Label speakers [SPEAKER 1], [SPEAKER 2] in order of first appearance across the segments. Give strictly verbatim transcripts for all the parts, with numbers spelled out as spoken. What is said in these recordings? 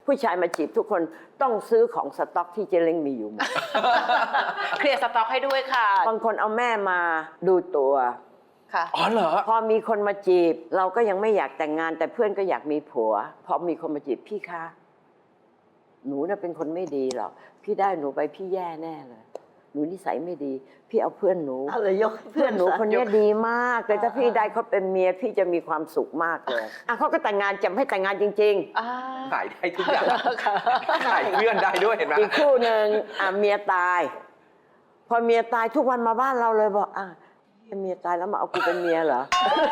[SPEAKER 1] ผู้ชายมาจีบทุกคนต้องซื้อของสต็อกที่เจเล้งมีอยู่หมด
[SPEAKER 2] เคลียร์สต็อกให้ด้วยค่ะ
[SPEAKER 1] บางคนเอาแม่มาดูตัว
[SPEAKER 2] ค่ะ
[SPEAKER 3] อ๋อเหรอ
[SPEAKER 1] พอมีคนมาจีบ เราก็ยังไม่อยากแต่งงานแต่เพื่อนก็อยากมีผัวพอมีคนมาจีบพี่คะหนูน่ะเป็นคนไม่ดีหรอกพี่ได้หนูไปพี่แย่แน่เลยหนูนิสัยไม่ดีพี่เอาเพื่อนหนู
[SPEAKER 4] เอาเลยยก
[SPEAKER 1] เพื่อนหนูคนนี้ดีมากเลยถ้าพี่ได้เขาเป็นเมียพี่จะมีความสุขมากเลยอ่ะเขาก็แต่งงานจำให้แต่งงานจริงๆ
[SPEAKER 3] ขายได้ทุกอย่างขายเพื่อนได้ด้วยเห็นไหม
[SPEAKER 1] อีกคู่หนึ่งอ่ะเมียตาย พอเมียตายทุกวันมาบ้านเราเลยบอกอ่ะเมียตายแล้วมาเอากูเป็นเมียเหรอ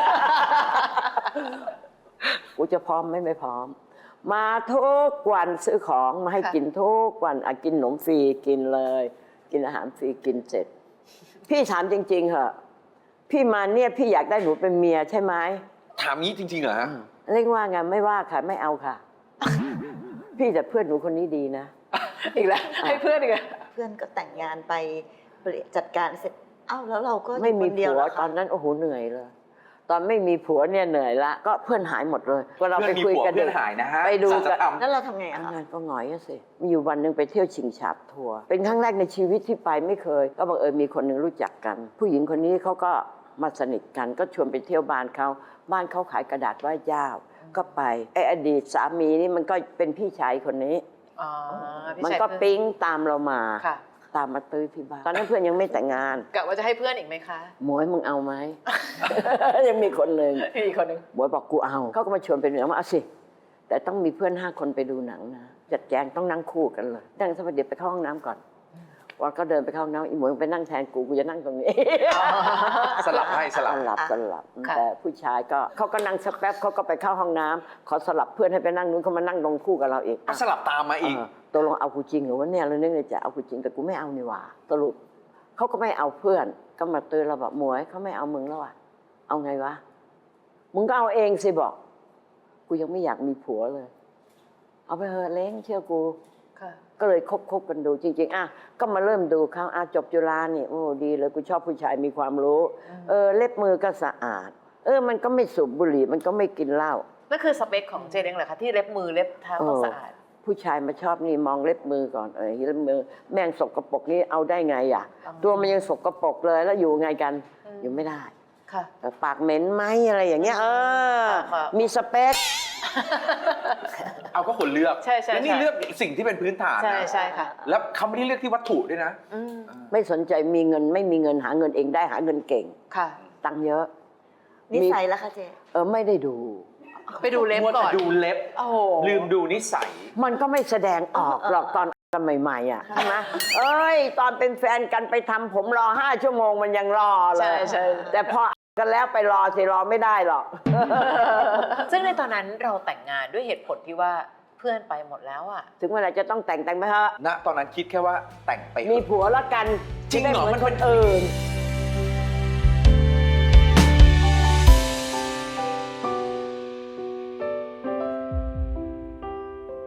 [SPEAKER 1] กูจะพร้อมไหม่ไม่พร้อม มาทุกวันซื้อของมาให้กินทุกวันอ่ะกินขนมฟรีกินเลย กินอาหารฟรีกินเสร็จ พี่ถามจริงๆเหอะพี่มาเนี่ยพี่อยากได้หนูเป็นเมียใช่ไหม
[SPEAKER 3] ถามงี้จริงๆเหรอฮะ
[SPEAKER 1] เรียกว่าไงไม่ว่าค่ะไม่เอาค่ะ พี่แต่เพื่อนหนูคนนี้ดีนะ
[SPEAKER 2] อีกแล้วให้เพื่อนอีกแล้ว
[SPEAKER 4] เพื่อนก็แต่งงานไปเปลี่ยนจัดการเสร็จเอ้าแล้วเราก็อยู่
[SPEAKER 1] ไม่มี
[SPEAKER 4] คนเดียว
[SPEAKER 1] ผัว
[SPEAKER 4] เหรอ
[SPEAKER 1] ต
[SPEAKER 4] คะ
[SPEAKER 1] อนนั้นโอ้โหเหนื่อยเลย ตอนไม่มีผัวเนี่ยเหนื่อยละก็เพื่อนหายหมดเลยก็เรา
[SPEAKER 3] เพื่
[SPEAKER 1] ไป
[SPEAKER 3] อนมี
[SPEAKER 1] คุย
[SPEAKER 3] ผัว
[SPEAKER 1] กัน
[SPEAKER 3] เพื่อนหายนะฮะ
[SPEAKER 1] ไปดู
[SPEAKER 3] สัจ
[SPEAKER 1] กัน
[SPEAKER 3] ธรรม
[SPEAKER 4] แล้วเราทำไงอะ
[SPEAKER 1] ทำ
[SPEAKER 4] คะ
[SPEAKER 1] งานก็หงอยอะสิมีอยู่วันหนึ่งไปเที่ยวชิงฉาบทัวร์เป็นครั้งแรกในชีวิตที่ไปไม่เคย ก็บังเอิญมีคนหนึ่งรู้จักกัน ผู้หญิงคนนี้เขาก็มาสนิทกันก็ชวนไปเที่ยวบ้านเขาบ้านเขาขายกระดาษไหว้เจ้า ก็ไปไอ้อดีตสามีนี่มันก็เป็นพี่ชายคนนี้
[SPEAKER 2] อ๋อพี่
[SPEAKER 1] มัน
[SPEAKER 2] ชาย
[SPEAKER 1] ก็
[SPEAKER 2] เพื่อน
[SPEAKER 1] ปิ๊งตามเรามา
[SPEAKER 2] ค่ะ
[SPEAKER 1] ตามมาตื้อที่บ้านตอนนั้นเพื่อนยังไม่แต่งงาน
[SPEAKER 2] กะว่าจะให้เพื่อนอีกไหมคะ
[SPEAKER 1] หมวยมึงเอาไหม ยังมีคนหนึ่ง
[SPEAKER 2] อีกคนหนึ่ง
[SPEAKER 1] หมวยบอกกูเอาเขาก็มาชวนไปดูหนังว่าเอาสิแต่ต้องมีเพื่อนห้าคนไปดูหนังนะจัดแจงต้องนั่งคู่กันเลยนั่งสักพักเดี๋ยวไปเข้าห้องน้ำก่อนวันก็เดินไปเข้าห้องน้ำอีหมวยไปนั่งแทนกูกูจะนั่งตรงนี้
[SPEAKER 3] สลับให้สลับ
[SPEAKER 1] สลับสลับแต่ผู้ชายก็เขาก็นั่งสักแป๊บเขาก็ไปเข้าห้องน้ำขอสลับเพื่อนให้ไปนั่งนู้นเขามานั่งลงคู่กับเราอีก
[SPEAKER 3] ก็สลับตามมาอีก
[SPEAKER 1] เออตกลงเอากูจริงหรือว่าเนี่ยเรานึกในใจเอากูจริงแต่กูไม่เอานี่หว่าสรุปเขาก็ไม่เอาเพื่อนก็มาเตือนเราบอกหมวยเขาไม่เอามึงแล้วอ่ะเอาไงวะมึงก็เอาเองสิบอกกูยังไม่อยากมีผัวเลย เอาไปเถอะเล้งเชื่อกู
[SPEAKER 2] ค่ะ
[SPEAKER 1] ก็เลยคบคบกันดูจริงๆอ่ะก็มาเริ่มดูเขาอ่ะจบจุฬานี่โอ้ดีเลยกูชอบผู้ชายมีความรู้เออเล็บมือก็สะอาด เออมันก็ไม่สูบบุหรี่มันก็ไม่กินเหล้า
[SPEAKER 2] นั่นคือสเปคของเจเล้งเหรอคะที่เล็บมือเล็บเท้าต้องสะอาด
[SPEAKER 1] ผู้ชายมาชอบนี่มองเล็บมือก่อนเออเล็บมือแม่งสกปรกนี่เอาได้ไงอ่ะ
[SPEAKER 2] อ๋อ
[SPEAKER 1] ตัวมันยังสกปรกเลยแล้วอยู่ไงกัน
[SPEAKER 2] อืม
[SPEAKER 1] อยู่ไม่ได้
[SPEAKER 2] ค่ะ
[SPEAKER 1] แต่ปากเหม็นไหมอะไรอย่างเงี้ยเออ
[SPEAKER 2] ค่ะ
[SPEAKER 1] มีสเปค
[SPEAKER 3] เอาก็คนเลือก
[SPEAKER 2] ใช่ใช่
[SPEAKER 3] แล้วนี่
[SPEAKER 2] ใช่
[SPEAKER 3] เลือกสิ่งที่เป็นพื้นฐาน
[SPEAKER 2] ใช่
[SPEAKER 3] นะ
[SPEAKER 2] ใช่ค่ะ
[SPEAKER 3] แล้วเขาไม่ได้เลือกที่วัตถุด้วยนะ
[SPEAKER 2] อืม
[SPEAKER 1] ไม่สนใจมีเงินไม่มีเงินหาเงินเองได้หาเงินเก่ง
[SPEAKER 2] ค่ะ
[SPEAKER 1] ตังค์เยอะ
[SPEAKER 4] นิสัยแล้วคะเจ๊
[SPEAKER 1] เออไม่ได้ดู
[SPEAKER 2] ไปดูเล็บ
[SPEAKER 3] มัว
[SPEAKER 2] ก่
[SPEAKER 3] แต่
[SPEAKER 2] อน
[SPEAKER 3] ดูเล็บ
[SPEAKER 2] โอ้โห
[SPEAKER 3] ลืมดูนิสัย
[SPEAKER 1] มันก็ไม่แสดงออกหรอกตอนกันใหม่ๆอ่ะใช่ไหมเอ้ย ตอนเป็นแฟนกันไปทำผมรอห้าชั่วโมงมันยังรอเล
[SPEAKER 2] ใช่
[SPEAKER 1] ย
[SPEAKER 2] ใช่
[SPEAKER 1] แต่พอกันแล้วไปรอสิรอไม่ได้หรอก
[SPEAKER 2] ซึ่งในตอนนั้นเราแต่งงานด้วยเหตุผลที่ว่าเพื่อนไปหมดแล้วอ่ะ
[SPEAKER 1] ถึงเวลาจะต้องแต่งแต่งไปเถอะ
[SPEAKER 3] ณ ตอนนั้นคิดแค่ว่าแต่งไปเถ
[SPEAKER 1] มี
[SPEAKER 3] อะ
[SPEAKER 1] ผัวแล้วกัน
[SPEAKER 3] จริงเหรอ
[SPEAKER 1] ไได้มื
[SPEAKER 3] มัน
[SPEAKER 1] ค
[SPEAKER 3] เป็น
[SPEAKER 1] นอื่น